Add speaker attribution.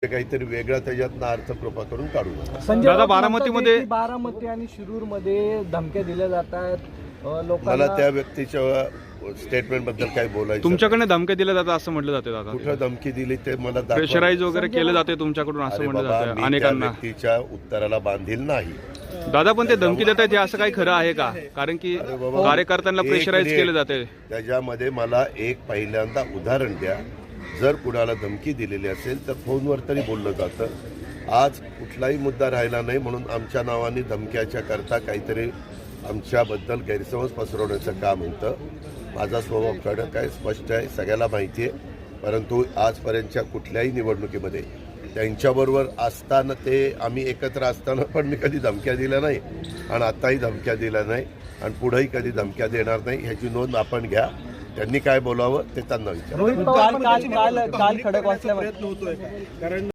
Speaker 1: काहीतरी वेगळा त्याच्यातनं अर्थ कृपा करून काढू नका.
Speaker 2: संजय
Speaker 3: दादा,
Speaker 2: राऊत
Speaker 3: बारामतीमध्ये-
Speaker 2: म्हणतात की बारामती आणि शिरूरमध्ये धमक्या दिल्या जातात
Speaker 1: मला
Speaker 2: लोकांना.
Speaker 1: त्या व्यक्तीच्या स्टेटमेंट बद्दल काही बोलायचं
Speaker 3: तुमच्याकडे धमक्या दिल्या जातात असं म्हटलं जाते दादा.
Speaker 1: कुठं धमकी दिली ते मला दाखवा.
Speaker 3: प्रेशराईज वगैरे केलं जाते तुमच्याकडून असं
Speaker 1: अरे
Speaker 3: म्हटलं
Speaker 1: बाबा,
Speaker 3: जातं
Speaker 1: मी त्या
Speaker 3: अनेकांना.
Speaker 1: व्यक्तीच्या उत्तराला बांधील नाही.
Speaker 3: दादा, पण ते धमकी देतात हे असं काही खरं आहे का? कारण की
Speaker 1: अरे बाबा,
Speaker 3: कार्यकर्त्यांना
Speaker 1: एक
Speaker 3: प्रेशराईज
Speaker 1: मिनिट.
Speaker 3: केलं जाते.
Speaker 1: त्याच्यामध्ये मला एक पहिल्यांदा उदाहरण द्या. जर कुणाला धमकी दिलेली असेल तर फोनवर तरी बोललं जातं. आज कुठलाही मुद्दा राहिला नाही म्हणून आमच्या नावाने धमक्याच्या करता काहीतरी आमच्याबद्दल गैरसमज पसरवण्याचं काम होतं. माझा स्वभाव कडक आहे, स्पष्ट आहे, सगळ्याला माहिती आहे. परंतु आजपर्यंतच्या कुठल्याही निवडणुकीमध्ये त्यांच्याबरोबर असताना ते आम्ही एकत्र असताना पण मी कधी धमक्या दिल्या नाही आणि आताही धमक्या दिल्या नाही आणि पुढेही कधी धमक्या देणार नाही. ह्याची नोंद आपण घ्या. त्यांनी काय बोलावं ते त्यांना विचारा.
Speaker 2: रोहित पवार पण काल खडकवासल्यावर